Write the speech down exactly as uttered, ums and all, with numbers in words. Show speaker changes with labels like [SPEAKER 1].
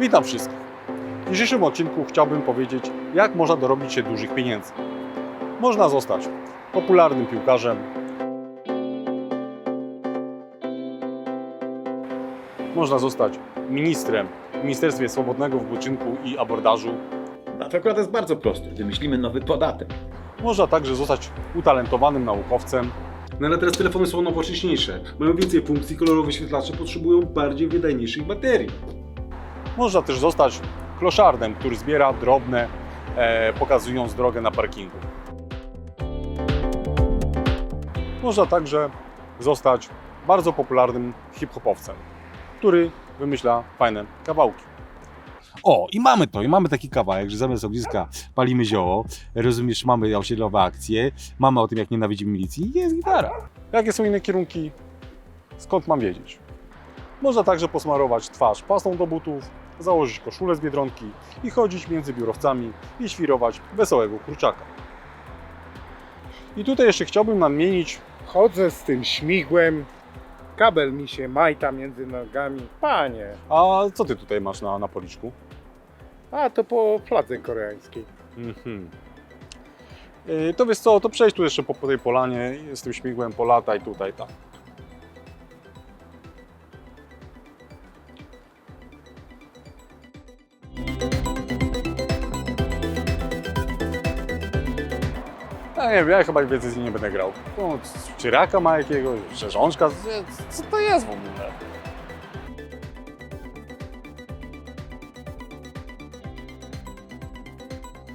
[SPEAKER 1] Witam wszystkich. W dzisiejszym odcinku chciałbym powiedzieć, jak można dorobić się dużych pieniędzy. Można zostać popularnym piłkarzem, można zostać ministrem w Ministerstwie Swobodnego Wypoczynku i Abordażu,
[SPEAKER 2] A to akurat jest bardzo proste. Wymyślimy nowy podatek.
[SPEAKER 1] można także zostać utalentowanym naukowcem,
[SPEAKER 3] No ale teraz telefony są nowocześniejsze, mają więcej funkcji, kolorowe wyświetlacze potrzebują bardziej wydajniejszych baterii.
[SPEAKER 1] można też zostać kloszardem, który zbiera drobne, e, pokazując drogę na parkingu. Można także zostać bardzo popularnym hip-hopowcem, który wymyśla fajne kawałki.
[SPEAKER 4] O, i mamy to, i mamy taki kawałek, że zamiast ogniska palimy zioło, rozumiesz, mamy osiedlowe akcje, mamy o tym, jak nienawidzimy milicji i jest gitara.
[SPEAKER 1] Jakie są inne kierunki? Skąd mam wiedzieć? Można także posmarować twarz pastą do butów, założyć koszulę z Biedronki i chodzić między biurowcami i świrować wesołego kurczaka. I tutaj jeszcze chciałbym nadmienić,
[SPEAKER 5] Chodzę z tym śmigłem, kabel mi się majta między nogami. Panie,
[SPEAKER 1] a co ty tutaj masz na, na policzku?
[SPEAKER 5] a to po fladze koreańskiej.
[SPEAKER 1] Mhm. Yy, To wiesz co, to przejdź tu jeszcze po, po tej polanie, z tym śmigłem polataj tutaj, tak. Ja nie wiem, ja chyba więcej z nim nie będę grał. No, czy raka ma jakiegoś, czy rzążka? Co to jest w ogóle?